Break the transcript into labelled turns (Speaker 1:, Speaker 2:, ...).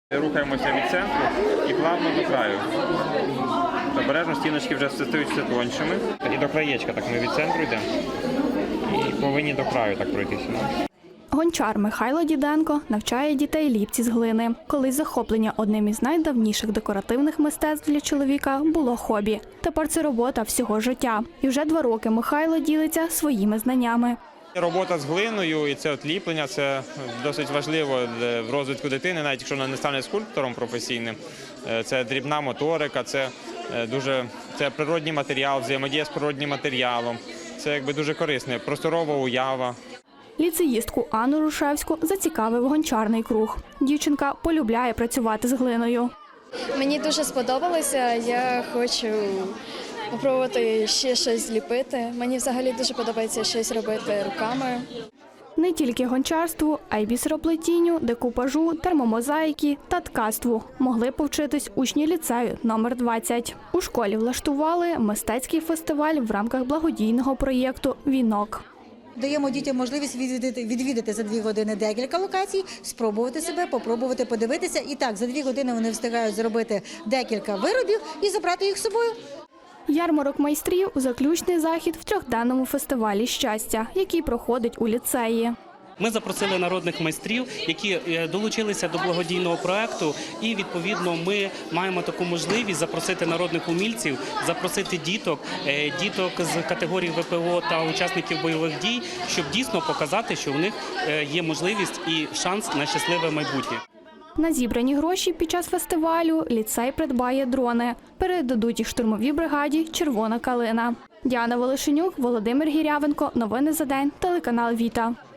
Speaker 1: Рухаємося від центру і плавно до краю. Обережно стіночки вже стають все тоншими. І до краєчка, так ми від центру йдемо. І повинні до краю так пройтися.
Speaker 2: Гончар Михайло Діденко навчає дітей ліпці з глини. Колись захоплення одним із найдавніших декоративних мистецтв для чоловіка було хобі. Тепер це робота всього життя. І вже 2 роки Михайло ділиться своїми знаннями.
Speaker 1: Робота з глиною і це ліплення – це досить важливо в розвитку дитини, навіть якщо вона не стане скульптором професійним. Це дрібна моторика, це природній матеріал, взаємодія з природнім матеріалом. Це дуже корисне, просторова уява.
Speaker 2: Ліцеїстку Анну Рушевську зацікавив гончарний круг. Дівчинка полюбляє працювати з глиною.
Speaker 3: Мені дуже сподобалося, я хочу спробувати ще щось зліпити. Мені взагалі дуже подобається щось робити руками.
Speaker 2: Не тільки гончарству, а й бісероплетінню, декупажу, термомозаїки та ткацтву могли повчитись учні ліцею номер 20. У школі влаштували мистецький фестиваль в рамках благодійного проєкту «Вінок».
Speaker 4: Даємо дітям можливість відвідати за 2 години декілька локацій, спробувати себе, попробувати подивитися. І так, за 2 години вони встигають зробити декілька виробів і забрати їх з собою.
Speaker 2: Ярмарок майстрів – заключний захід в 3-денному фестивалі щастя, який проходить у ліцеї.
Speaker 5: Ми запросили народних майстрів, які долучилися до благодійного проєкту, і, відповідно, ми маємо таку можливість запросити народних умільців, запросити діток з категорії ВПО та учасників бойових дій, щоб дійсно показати, що в них є можливість і шанс на щасливе майбутнє.
Speaker 2: На зібрані гроші під час фестивалю ліцей придбає дрони. Передадуть їх штурмовій бригаді «Червона калина». Діана Волошенюк, Володимир Гірявенко. Новини за день. Телеканал «Віта».